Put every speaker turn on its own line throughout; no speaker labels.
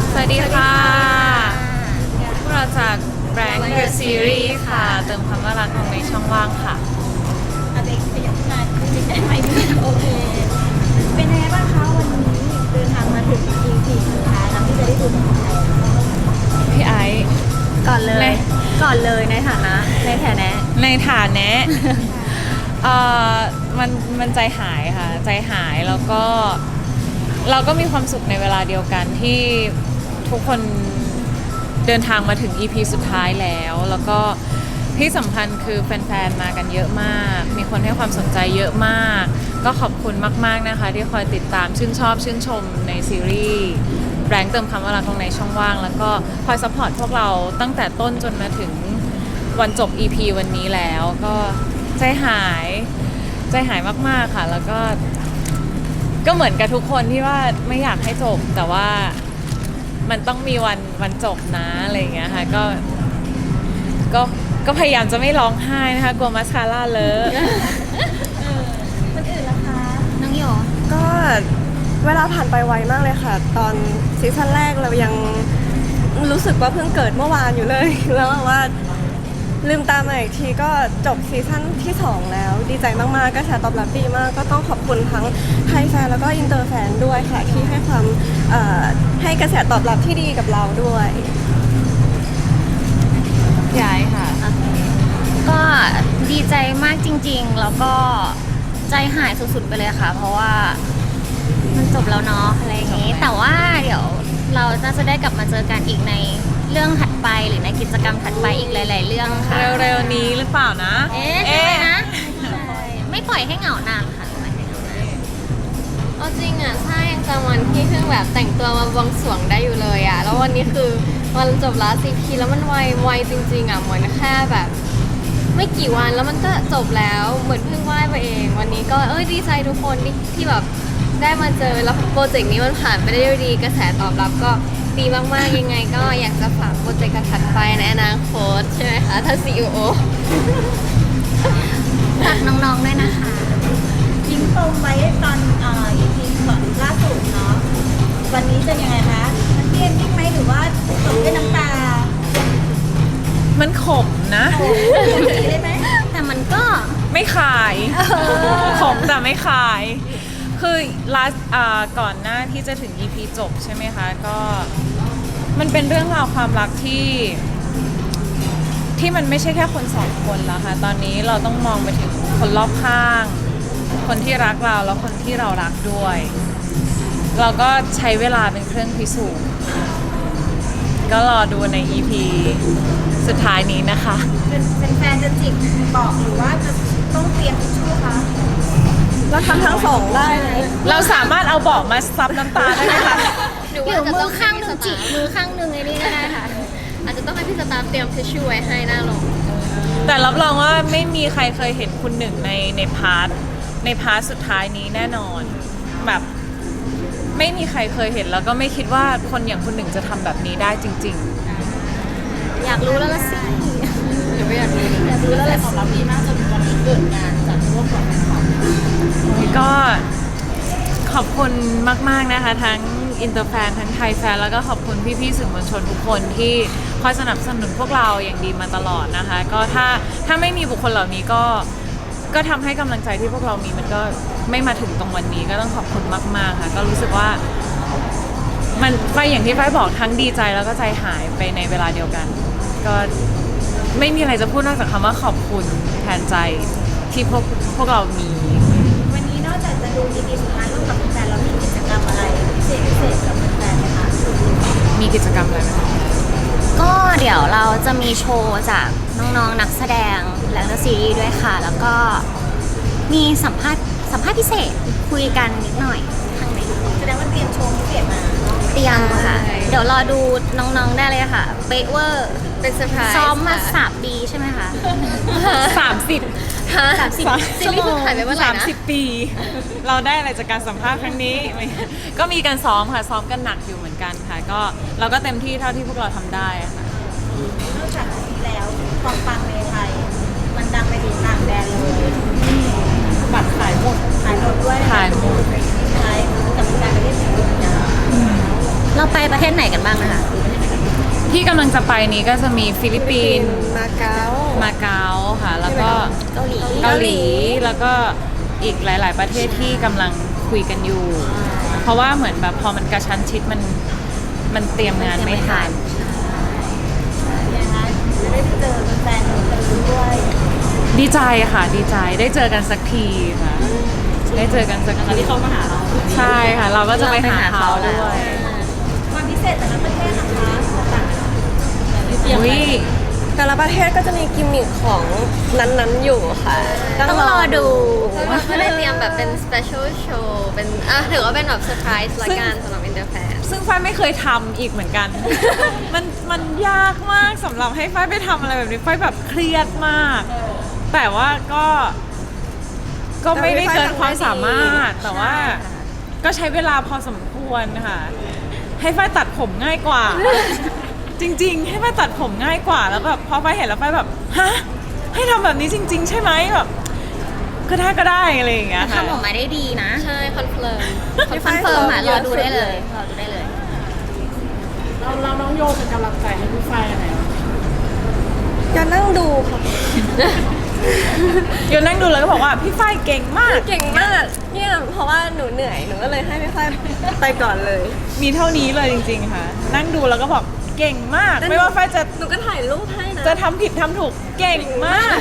สวัสดีค่ะพวกเราจาก Rank The Series ค่ะเติมคำว่ารักลงในช่องว่างค่ะ
อาเด็กขยับมาได้ไหมโอเคเป็นยังไงบ้างคะวันนี้เดินทางมาถึง EP สุดท้ายแล้วที่จะได้ดูของไทย
พี่ไอซ์
ก่อนเลยในฐานะ
ในฐานะมันใจหายค่ะใจหายแล้วก็เราก็มีความสุขในเวลาเดียวกันที่ทุกคนเดินทางมาถึง EP สุดท้ายแล้วก็ที่สำคัญคือแฟนๆมากันเยอะมากมีคนให้ความสนใจเยอะมากก็ขอบคุณมากๆนะคะที่คอยติดตามชื่นชมในซีรีส์แรงเติมคำว่ารักลงในช่องว่างแล้วก็คอยซัพพอร์ตพวกเราตั้งแต่ต้นจนมาถึงวันจบ EP วันนี้แล้วก็ใจหายมากๆค่ะแล้วก็เหมือนกับทุกคนที่ว่าไม่อยากให้จบแต่ว่ามันต้องมีวันจบนะอะไรอย่างเงี้ยค่ะก็พยายามจะไม่ร้องไห้นะคะกลัวมัสคาร่าเลอะ
คนอื่นล่ะคะน้องโย
ก็เวลาผ่านไปไวมากเลยค่ะตอนซีซั่นแรกเรายังรู้สึกว่าเพิ่งเกิดเมื่อวานอยู่เลยแล้วว่าลืมตามาอีกทีก็จบซีซั่นที่2แล้วดีใจมากๆกระแสตอบรับดีมากก็ต้องขอบคุณทั้งไทยแฟนแล้วก็อินเตอร์แฟนด้วยค่ะที่ให้ความให้กระแสตอบรับที่ดีกับเราด้วย
ย้ายค่ะ
ก็ดีใจมากจริงๆแล้วก็ใจหายสุดๆไปเลยค่ะเพราะว่ามันจบแล้วเนาะอะไรอย่างนี้แต่ว่าเดี๋ยวเราจะได้กลับมาเจอกันอีกในเรื่องถัดไปหรือในกิจกรรมถัดไปอีกหลายๆเรื่องค่ะ
เร็วๆนี้หรือเปล่านะ
ใช่นะไม่ปล่อยให้เหงานานค่ะ
เอาจริงอ่ะใช่ยังจำวันที่เพิ่งแบบแต่งตัวมาบวงสรวงได้อยู่เลยอ่ะแล้ววันนี้คือวันจบลาซีพีแล้วมันไวจริงๆอ่ะเหมือนแค่แบบไม่กี่วันแล้วมันก็จบแล้วเหมือนเพิ่งไหว้ไปเองวันนี้ก็ดีใจทุกคนที่แบบได้มาเจอแล้วโปรเจกต์นี้มันผ่านไปได้ด้วยดีกระแสตอบรับก็ดีมากๆยังไงก็อยากจะฝากโปรเจกต์ถัดไปในอนาคตใช่ไหมคะถ้า CEO
ฝากน้องๆด้วยนะคะ
ทิ้งปมไว้ตอนEP ก่อนล่าสุดเนาะวันนี้จะยังไงคะมันเกมยิ่งไหมหรือว่าจบด้วยน้ำตา
มันขมนะ
ได้ไหม
แต่มันก็
ไม่ขายขมแต่ไม่ขายคือก่อนหน้าที่จะถึง EP จบใช่ไหมคะก็มันเป็นเรื่องราวความรักที่มันไม่ใช่แค่คนสองคนแล้วค่ะตอนนี้เราต้องมองไปถึงคนรอบข้างคนที่รักเราแล้วคนที่เรารักด้วยเราก็ใช้เวลาเป็นเครื่องพิสูจน์ก็รอดูใน EP สุดท้ายนี้นะคะ
เป็นแฟนจะจิกบอกหรือว่าจะต้องเตรียมทิชชู่คะ
เราทำทั้งสองได้
เราสามารถเอาเบาะมาซับน้ำตาได้ไหมคะ
หรือมือข้างหนึ่งจิกมือข้างหนึ่งไอ้นี่ก็ได้ค่ะ
อาจจะต้องให้พี่สตาฟเตรียมทิชชู่ไว้ให้หน้าลง
แต่รับรองว่าไม่มีใครเคยเห็นคุณหนึ่งในพาร์ทสุดท้ายนี้แน่นอนแบบไม่มีใครเคยเห็นแล้วก็ไม่คิดว่าคนอย่างคุณหนึ่งจะทำแบบนี้ได้จริง
ๆอยากรู้แล้วละสิ
หรือไม่อยากรู้
แล้วอะไรของเราดีมากจนวันนี้เกิดงานจากร่วมกับแฟนคลับ
ก็ขอบคุณมากๆนะคะทั้งอินเตอร์แฟนทั้งไทยแฟนแล้วก็ขอบคุณพี่ๆสื่อมวลชนทุกคนที่คอยสนับสนุนพวกเราอย่างดีมาตลอดนะคะก็ถ้าไม่มีบุคคลเหล่านี้ก็ทำให้กำลังใจที่พวกเรามีมันก็ไม่มาถึงตรงวันนี้ก็ต้องขอบคุณมากๆค่ะก็รู้สึกว่ามันไปอย่างที่ฝ้ายบอกทั้งดีใจแล้วก็ใจหายไปในเวลาเดียวกันก็ไม่มีอะไรจะพูดนอกจากคำว่าขอบคุณแทนใจที่พวกเรามี
วันนี้นอกจากจะดู EP สุดท้ายร่วมกับแฟนแล้วมีกิจกรรมอะไรพิเศษกับแฟนไหมคะ
มีกิจกรรมอะไรไหม
ก็เดี๋ยวเราจะมีโชว์จากน้องๆนักแสดงและซีรีส์ด้วยค่ะแล้วก็มีสัมภาษณ์พิเศษคุยกันนิดหน่อยข้างใน
แสดงว่าเตรียมโชว์พิเศษมา
เตรียมค่ะเดี๋ยวรอดูน้องๆได้เลยค่ะเบเวอร์
เป็นเซอร์ไพรส์
ซ้อมมา3 ปีใช่ไหมคะ
ซีรีส์เพิ่งถ่ายไปเมื่อไหร่นะ
30 ปีเราได้อะไรจากการสัมภาษณ์ครั้งนี้ก็มีการซ้อมค่ะซ้อมกันหนักอยู่เหมือนกันค่ะก็เราก็เต็มที่เท่าที่พวกเราทำได้ค่ะ
นอกจากนี้แล้วความปังในไทยมันดังไปถึงต่างแดนเลย
บัตรขายหมด
ด้วยขายหมดใช่กับการไปเล่นสิ่งนี้นะ
เราไปประเทศไหนกันบ้างนะคะ
ที่กำลังจะไปนี้ก็จะมีฟิลิปปินส์
มาเก๊า
มาเก๊าค่ะ แล้วก็
เกาหลี
เกาหลีแล้วก็อีกหลาย ๆ ประเทศที่กำลังคุยกันอยู่ เพราะว่าเหมือนแบบพอมันกระชั้นชิดมันเตรียมงานไม่ทัน
นะคะจะได้ไปเจอแฟนๆกันด้วย
ดีใจค่ะดีใจได้เจอกันสักทีค่ะ ได้เจอกันสักทีที่เขามาหาเราใช่ค่ะ เราก็จะไปหาเขาด้วย
ความพิเศษแต่ละประเทศนะคะต่างกัน
อุ้ย
แต่ละประเทศก็จะมีกิมมิคของนั้นๆอยู่ค่ะ
ต้องรอดู
เราก็ได้เตรียมแบบเป็น special show เป็นถือว่าเป็นแบบเซอร์ไพรส์ละกันสำหรับ Interfan
ซึ่งฝ้ายไม่เคยทำอีกเหมือนกัน มันยากมากสำหรับให้ฝ้ายไปทำอะไรแบบนี้ฝ้ายแบบเครียดมาก แต่ว่าก็ไม่ได้เกินความสามารถ แต่ว่าก็ใช้เวลาพอสมควรค่ะ ให้ฝ้ายตัดผมง่ายกว่า จริงๆ ให้ฝ้ายตัดผมง่ายกว่าแล้วแบบพอฝ้ายเห็นแล้วฝ้ายแบบฮะให้ทำแบบนี้จริง ๆ ใช่ไหมแบบก็ได้อะไรอย่างเงี้ยค่ะ
ทำออกมาได้ดีนะ
ใช่คอนเฟิร์ม
คอนเฟิร์มรอดูได้เลยรอดูได้เลย
เราน้องโยเป็นกำลังใจให้พี่ฝ้ายยังไงบ้าง
อย่านั่งดูค่ะ
โยนนั่งดูแล้วก็บอกว่าพี่ฝ้ายเก่งมาก
เก่งมากเนี่ยเพราะว่าหนูเหนื่อยหนูก็เลยให้พี่ฝ้ายไปก่อนเลย
มีเท่านี้เลยจริง ๆ ค่ะ นั่งดูแล้วก็บอกเก่งมาก ไม่ว่าฝ้ายจะ
หนูก็ถ่ายรูปให้นะ
จะทำผิดทำถูกเก่งมาก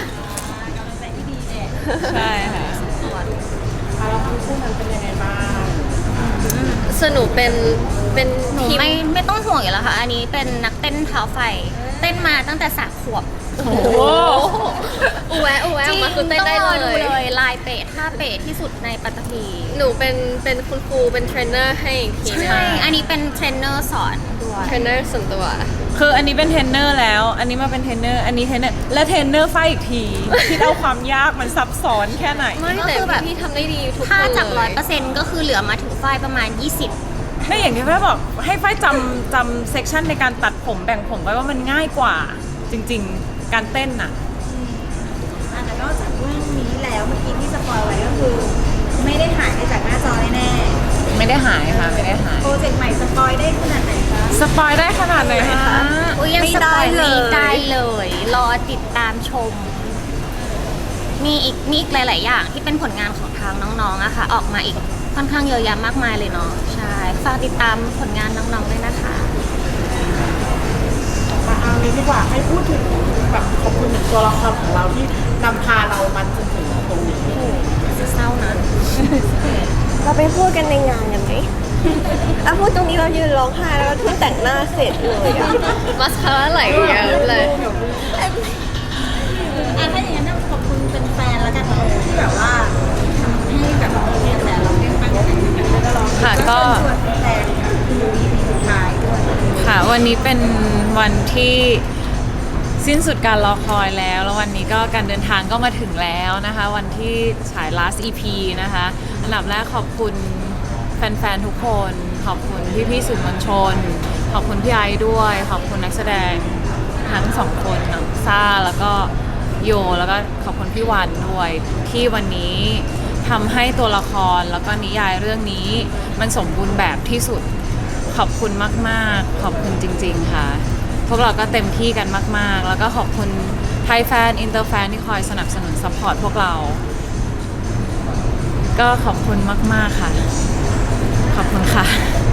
ใช่ค่ะ
เราทั้งคู่นั้นเป็นยังไงบ้าง
สนุกเป็น
หนู
ทีม
ไม่ต้องห่วงอยู่แล้วค่ะ อันนี้เป็นนักเต้นเท้าไฟ เต้นมาตั้งแต่3 ขวบ
โอ้โห
อูแวะออกมาคือเต้นได้
ต้องรอ
เล
ดู
ย
เลยลายเปะท่าเปะที่สุดในปัตตภี
หนูเป็นคุณครูเป็นเทรนเนอร์ให้อีกทีนึง
ใช่ อันนี้เป็นเทรนเนอร์สอนด้วย
เทรนเนอร์ส่วนตัว
คืออันนี้เป็นเทรนเนอร์แล้ว อันนี้มาเป็นเทรนเนอร์ อันนี้เทรนเนอร์ และเทรนเนอร์ฝ้ายอีกที คิดเอาความยากมันซับซ้อนแค่ไหน
ไม่
ก็
แต่
คือแบบ
พี่ทำได้ดีทุกคน
ถ้าจาก
เลย
100%ก็คือเหลือมาถึงฝ้ายประมาณ 20
ไม่อย่างที่ฝ้ายบอกให้ฝ้ายจำเซกชันในการตัดผมแบ่งผมไว้ว่ามันง่ายกว่า จริง ๆ การเต้นน่ะ
แต่นอกจากเรื่องนี้แล้วเมื่อกี้ที่สปอยไว้ก็คือ ไม่ได้หายไปจากหน้าจอแน่
ไม่ได้หายค่ะ ไม่ได้หาย
ๆโปรเจกต์ใหม่สปอยได้ขนาดไหนคะ
สปอยได้ขนาดไหนคะ
อุ้ยยัง
ไม่
สป
ได้
อย
เลย
ไม่ได้เลย รอติดตามชม มีอีกหลาย ๆ อย่างที่เป็นผลงานของทางน้อง ๆอะค่ะ ออกมาอีกค่อนข้างเยอะแยะมากมายเลยเนาะ ใช่ ฝากติดตามผลงานน้อง ๆ ด้วยนะคะ
มาเอานี้ดีกว่าให้พูดถึงแบบขอบคุณถึงตัวละครของเราที่นำพาเรามาจนถึงตรงนี้
เศร้านะ
เราไปพูดกันในงานกันไหมแล้วพูดตรงนี้เรายืนร้องไห้แล้วก็เพิ่งแต่งหน้าเสร็จเลยอะ
มาสคาร่าไหลเยอะเลย
ถ้าอย่างนั้นขอบคุณเป็นแฟนแล้วกันเนาะที่แบบว่าทำให้แบบเนี่ยแต่เราได้ฟังกันแล้วเรา
ค่ะก็
ชวนแฟนดูอีพีสุดท้ายด้วย
ค่ะวันนี้เป็นวันที่สิ้นสุดการรอคอยแล้ว แล้ววันนี้ก็การเดินทางก็มาถึงแล้วนะคะ วันที่ฉาย last EP นะคะอันดับแรกขอบคุณแฟนๆทุกคน ขอบคุณพี่ๆสื่อมวลชน ขอบคุณพี่ไอซ์ด้วย ขอบคุณนักแสดงทั้งสองคนน้องซ่าแล้วก็โยแล้วก็ขอบคุณพี่วันด้วยที่วันนี้ทำให้ตัวละครแล้วก็นิยายเรื่องนี้มันสมบูรณ์แบบที่สุด ขอบคุณมากๆ ขอบคุณจริงๆค่ะ พวกเราก็เต็มที่กันมากๆ แล้วก็ขอบคุณไทยแฟน อินเตอร์แฟนที่คอยสนับสนุนซัพพอร์ตพวกเรา ก็ขอบคุณมากๆค่ะ ขอบคุณค่ะ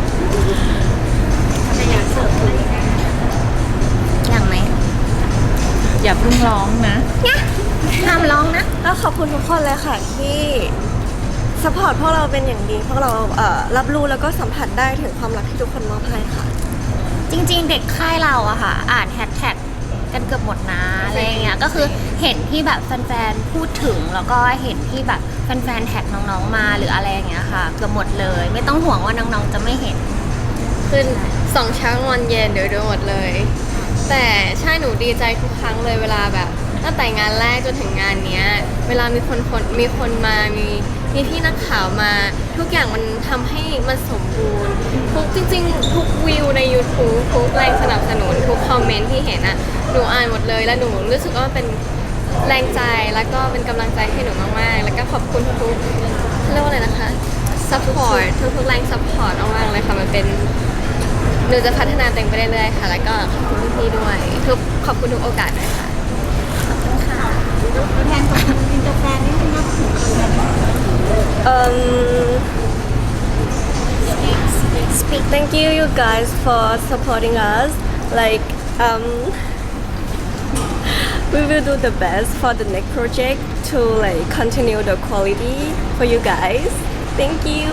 อย่างไหม
อย่าเพิ่งร้องนะ
ห้ามร้องนะ
ก็ขอบคุณทุกคนเลยค่ะที่สปอร์ตพวกเราเป็นอย่างดีพวกเรารับรู้แล้วก็สัมผัสได้ถึงความรักที่ทุกคนมอบให้ค่ะ
จริง ๆ เด็กค่ายเราอะค่ะ อ่านแฮชแท็กกันเกือบหมดนะอะไรอย่างเงี้ย ก็คือเห็นที่แบบแฟนๆพูดถึงแล้วก็เห็นที่แบบแฟนๆแท็กน้องๆมาหรืออะไรอย่างเงี้ยค่ะ เกือบหมดเลย ไม่ต้องห่วงว่าน้องๆจะไม่เห็น
ขึ้น2 เช้างอนเย็นเดี๋ยวดูหมดเลย แต่ใช่หนูดีใจทุกครั้งเลยเวลาแบบตั้งแต่งานแรกจนถึงงานเนี้ย เวลามีคนมามีพี่นักข่าวมา ทุกอย่างมันทำให้มันสมบูรณ์ทุกจริงๆ ทุกวิวใน YouTube ทุกแรงสนับสนุนทุกคอมเมนต์ที่เห็นอะหนูอ่านหมดเลยแล้วหนูรู้สึกว่ามันเป็นแรงใจแล้วก็เป็นกำลังใจให้หนูมากๆ แล้วก็ขอบคุณทุกๆเรียกว่าอะไรนะคะ support ทุกๆแรง support มากๆเลยค่ะมันเป็นหนูจะพัฒนาตัวเองไปเรื่อยๆค่ะ แล้วก็ขอบคุณพี่ๆด้วยขอบคุณทุกโอกาสด้วยค่ะ
ตัวแทนของอินเตอร์แฟนนิดนึงนะ
Thank you, you guys, for supporting us. Like, we will do the best for the next project to like continue the quality for you guys. Thank you.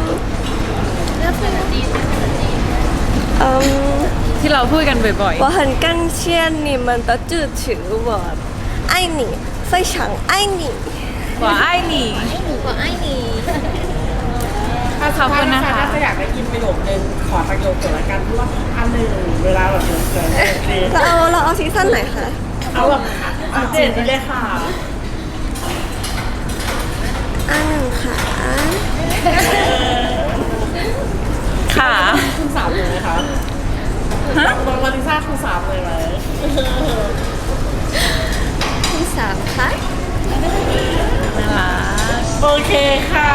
ที่เราพูดกันบ่อย
我很感谢你们的支持，我爱你，非常爱你。
ๆว่าไอ้หนี
กว่าไอ้นี่
ถ้า
ขอบคุณนะคะ
ถ้าจะอยากได้ยินประโยคนึงขอประโยคเกี่ยวกับการที่ว่าอันหนึ่งเวลาแบบเกิดโอเค
เราเอาซีซั่นไหนคะ
เอาแบบอัปเดตนี้เลยค่ะ
อันหนึ่งค่ะ
ค่ะ
คุณสามเลยไหมคะน้องมาริซ่าคุณสามเลยไหม
คุณสามคะ
น่ารัก
โอเคค่ะ